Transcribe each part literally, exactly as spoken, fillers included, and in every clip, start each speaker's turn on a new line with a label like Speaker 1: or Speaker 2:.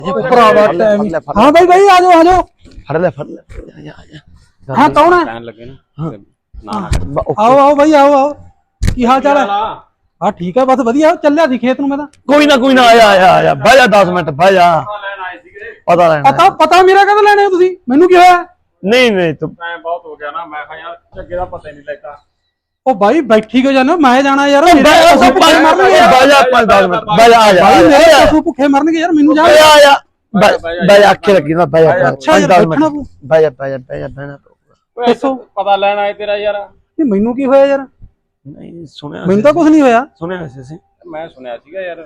Speaker 1: ਭਰਾਵਾ ਟਾਈਮ ਹਾਂ ਬਾਈ ਬਾਈ ਆ ਜਾਓ ਆ ਜਾਓ
Speaker 2: ਫੜ ਲੈ ਫੜ ਲੈ
Speaker 1: ਹਾਂ ਕੌਣ ਹੈ
Speaker 3: ਕਹਿਣ ਲੱਗੇ ਨਾ ਨਾ
Speaker 1: ਆਓ ਆਓ ਬਾਈ ਆਓ ਆਓ ਕੀ ਹਾਲ ਚਾਲ ਹੈ ਹਾਂ ਠੀਕ ਹੈ ਬਸ ਵਧੀਆ ਚੱਲਿਆ ਸੀ ਖੇਤ ਨੂੰ ਮੈਂ ਤਾਂ
Speaker 2: ਕੋਈ ਨਾ ਕੋਈ ਨਾ ਆਇਆ ਆਇਆ ਆਇਆ ਬਹਿ ਜਾ ਦਸ ਮਿੰਟ ਬਹਿ ਜਾ
Speaker 3: ਲੈਣ ਆਏ ਸੀਗੇ
Speaker 2: ਪਤਾ ਲੈਣਾ
Speaker 1: ਪਤਾ ਪਤਾ ਮੇਰਾ ਕਦੋਂ ਲੈਣੇ ਹੋ ਤੁਸੀਂ ਮੈਨੂੰ ਕੀ ਹੋਇਆ
Speaker 2: ਨਹੀਂ ਨਹੀਂ ਤੂੰ
Speaker 3: ਟਾਈਮ ਬਹੁਤ ਹੋ ਗਿਆ ਨਾ ਮੈਂ ਕਿਹਾ ਯਾਰ ਚੱਗੇ ਦਾ ਪਤਾ ਹੀ ਨਹੀਂ ਲੱਗਾ
Speaker 1: ਉਹ ਬਾਈ ਬੈਠੀ ਕਿਉਂ ਜਾਨੋ ਮੈਂ ਜਾਣਾ ਯਾਰ
Speaker 2: ਬਹਿ ਜਾ ਬਹਿ ਜਾ ਪੰਜ ਦਸ ਮਿੰਟ ਬਹਿ ਜਾ ਆ ਜਾ
Speaker 1: ਬਾਈ ਮੇਰੇ ਪਸ਼ੂ ਭੁੱਖੇ ਮਰਨਗੇ ਯਾਰ ਮੈਨੂੰ ਜਾ
Speaker 2: ਬਹਿ ਜਾ ਆ ਜਾ ਬਹਿ ਜਾ ਅੱਖੇ ਲੱਗੀ ਨਾ ਬਹਿ ਜਾ
Speaker 1: ਅੱਛਾ
Speaker 2: ਪੰਜ
Speaker 1: ਯਾਰ
Speaker 2: ਦਸ
Speaker 1: ਬੈਠਣਾ
Speaker 2: ਮਿੰਟ ਬਹਿ ਜਾ ਬਹਿ ਜਾ ਬਹਿ ਜਾ ਬਹਿਣਾ
Speaker 1: ਦੱਸੋ।
Speaker 3: ਪਤਾ ਲੈਣ ਆਏ ਤੇਰਾ ਯਾਰ
Speaker 1: ਨਹੀਂ ਮੈਨੂੰ ਕੀ ਹੋਇਆ ਯਾਰ
Speaker 2: ਨਹੀਂ ਸੁਣਿਆ
Speaker 1: ਮੈਨੂੰ ਤਾਂ ਕੁਝ ਨਹੀਂ ਹੋਇਆ
Speaker 2: ਸੁਣਿਆ ਸੀ ਅਸੀਂ
Speaker 3: ਮੈਂ ਸੁਣਿਆ ਸੀਗਾ ਯਾਰ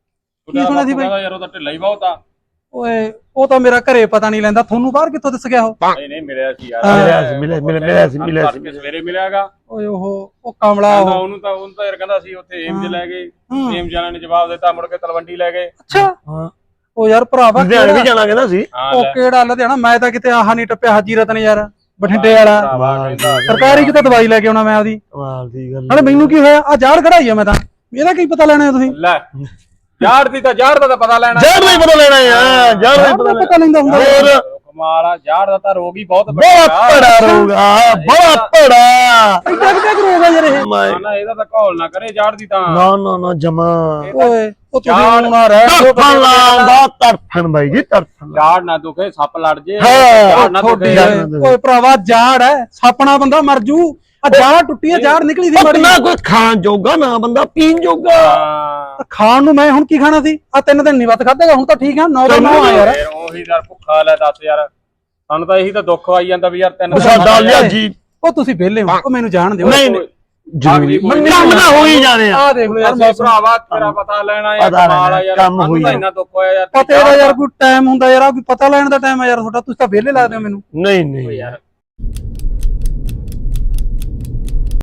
Speaker 1: ਕੀ ਸੁਣਿਆ ਸੀ ਬਾਈ
Speaker 3: ਯਾਰ ਉਹਦਾ ਢਿੱਲਾ ਹੀ ਬਹੁਤ ਆ
Speaker 1: ਓਏ ਉਹ ਤਾਂ ਮੇਰਾ ਘਰੇ ਪਤਾ ਨਹੀਂ ਲੈਂਦਾ ਤੁਹਾਨੂੰ ਬਾਹਰ ਕਿੱਥੋਂ ਦਿਸ ਗਿਆ ਉਹ
Speaker 3: ਨਹੀਂ ਨਹੀਂ ਮਿਲਿਆ ਸੀ ਯਾਰ
Speaker 2: ਮਿਲਿਆ ਸੀ ਮਿਲਿਆ ਮਿਲਿਆ ਸੀ ਮਿਲਿਆ ਸੀ
Speaker 3: ਸਵੇਰੇ ਮਿਲਿਆਗਾ
Speaker 1: ਓਏ ਉਹ ਉਹ ਕਮਲਾ
Speaker 3: ਕਹਿੰਦਾ
Speaker 1: ਉਹ
Speaker 3: ਉਹਨੂੰ ਤਾਂ ਉਹਨੂੰ ਤਾਂ ਯਾਰ ਕਹਿੰਦਾ ਸੀ ਉੱਥੇ ਏਮਜ ਲੈ ਗਏ ਏਮਜ ਵਾਲਿਆਂ ਨੇ ਜਵਾਬ ਦਿੱਤਾ ਮੁੜ ਕੇ ਤਲਵੰਡੀ ਲੈ ਗਏ
Speaker 1: ਅੱਛਾ
Speaker 2: ਹਾਂ
Speaker 1: ਉਹ ਯਾਰ ਭਰਾਵਾ
Speaker 2: ਲੁਧਿਆਣੇ ਵੀ ਜਾਣਾ ਕਹਿੰਦਾ ਸੀ
Speaker 1: ਉਹ ਕਿਹੜਾ ਲੁਧਿਆਣਾ ਮੈਂ ਤਾਂ ਕਿਤੇ ਆਹ ਨਹੀਂ ਟੱਪਿਆ ਹਾਜੀ ਰਤਨ ਯਾਰ ਬਠਿੰਡੇ ਵਾਲਾ
Speaker 3: ਕਹਿੰਦਾ
Speaker 1: ਸਰਕਾਰੀ ਕਿਤੇ ਦਵਾਈ ਲੈ ਕੇ ਆਉਣਾ ਮੈਂ ਉਹਦੀ
Speaker 2: ਕਮਾਲ ਦੀ ਗੱਲ
Speaker 1: ਨਾਲੇ ਮੈਨੂੰ ਕੀ ਹੋਇਆ ਆ ਜਾੜ ਕਢਾਈ ਆ ਮੈਂ ਤਾਂ ਇਹਦਾ ਕੀ ਪਤਾ ਲੈਣਾ ਤੁਸੀਂ
Speaker 3: ਲੈ ਯਾਰ ਦੀ ਤਾਂ ਯਾਰ ਦਾ ਤਾਂ ਪਤਾ ਲੈਣਾ
Speaker 2: ਜੜ ਨਹੀਂ ਪਤਾ ਲੈਣਾ ਯਾਰ ਜੜ ਨਹੀਂ
Speaker 1: ਪਤਾ ਪਤਾ ਲੈਂਦਾ ਹੁੰਦਾ
Speaker 2: ਹੋਰ
Speaker 3: ਕਮਾਲ ਆ ਯਾਰ ਦਾ ਤਾਂ ਰੋਗ ਹੀ ਬਹੁਤ
Speaker 2: ਬਹੁਤ ਭੜਾ ਰੋਗਾ ਬੜਾ ਭੜਾ
Speaker 1: ਇੰਨਾ ਕਿੱਦਾਂ ਰੋਗ ਆ ਯਾਰ ਇਹ
Speaker 2: ਮੈਂ
Speaker 3: ਨਾ ਇਹਦਾ ਤਾਂ ਘੋਲ ਨਾ ਕਰੇ ਯਾਰ ਦੀ ਤਾਂ
Speaker 2: ਨਾ ਨਾ ਨਾ ਜਮਾ
Speaker 1: ਓਏ ਉਹ ਤੁਸੀਂ ਨਾ ਰਹਿ
Speaker 2: ਤੜਫਣ ਲਾਉਂਦਾ ਤੜਫਣ ਬਾਈ ਜੀ ਤੜਫਣ
Speaker 3: ਯਾਰ ਨਾ ਦੁਖੇ ਸੱਪ ਲੜ ਜੇ
Speaker 2: ਹਾਂ,
Speaker 3: ਯਾਰ ਨਾ
Speaker 1: ਤੁਹਾਡੀ
Speaker 3: ਦੁਖੇ
Speaker 1: ਓਏ ਭਰਾਵਾ ਜਾੜ ਹੈ ਸਾਪਣਾ ਬੰਦਾ ਮਰ ਜੂ ਆ ਜਾੜ ਟੁੱਟੀ ਆ ਜਾੜ ਨਿਕਲੀ ਸੀ ਮੜੀ
Speaker 2: ਨਾ ਕੋਈ ਖਾਣ ਜੋਗਾ ਨਾ ਬੰਦਾ ਪੀਣ ਜੋਗਾ
Speaker 3: ਹਾਂ
Speaker 1: ਖਾਣ ਨੂੰ ਮੈਂ ਹੁਣ ਕੀ ਖਾਣਾ ਸੀ ਆ ਤਿੰਨ ਦਿਨ ਨਹੀਂ ਵੱਤ ਖਾਧੇਗਾ ਹੁਣ ਤਾਂ ਠੀਕ ਆ ਨੌ ਦਾ ਨੌ ਆ ਯਾਰ
Speaker 3: ਫੇਰ ਉਹੀ ਯਾਰ ਭੁੱਖਾ ਲੈ ਦੱਸ ਯਾਰ ਸਾਨੂੰ ਤਾਂ ਇਹੀ ਤਾਂ ਦੁੱਖ ਆਈ ਜਾਂਦਾ ਵੀ ਯਾਰ ਤਿੰਨ
Speaker 2: ਸਾਡਾ ਲਿਆ ਜੀ
Speaker 1: ਉਹ ਤੁਸੀਂ ਵਿਹਲੇ ਹੋ ਉਹ ਮੈਨੂੰ ਜਾਣ ਦਿਓ
Speaker 2: ਨਹੀਂ ਨਹੀਂ ਜ਼ਰੂਰੀ ਕੰਮ ਨਾ ਹੋ ਹੀ ਜਾਣੇ ਆ
Speaker 1: ਆ ਦੇਖ ਲਓ ਯਾਰ
Speaker 3: ਅਸੀਂ ਭਰਾਵਾ ਤੇਰਾ ਪਤਾ ਲੈਣਾ ਯਾਰ
Speaker 2: ਪਤਾ
Speaker 3: ਕਮਾਲ ਆ
Speaker 2: ਲੈਣਾ,
Speaker 3: ਯਾਰ
Speaker 2: ਕੰਮ
Speaker 3: ਸਾਨੂੰ
Speaker 2: ਹੋਈ
Speaker 3: ਤਾਂ
Speaker 2: ਆ।
Speaker 3: ਇੰਨਾ ਦੁੱਖ ਹੋਇਆ ਯਾਰ
Speaker 1: ਪਤੇ ਦਾ ਯਾਰ ਕੋਈ ਟਾਈਮ ਹੁੰਦਾ ਯਾਰ ਆ ਕੋਈ ਪਤਾ ਲੈਣ ਦਾ ਟਾਈਮ ਆ ਯਾਰ ਤੁਹਾਡਾ ਤੁਸੀਂ ਤਾਂ ਵਿਹਲੇ ਲੱਗਦੇ ਹੋ ਮੈਨੂੰ
Speaker 2: ਨਹੀਂ ਨਹੀਂ
Speaker 3: ਯਾਰ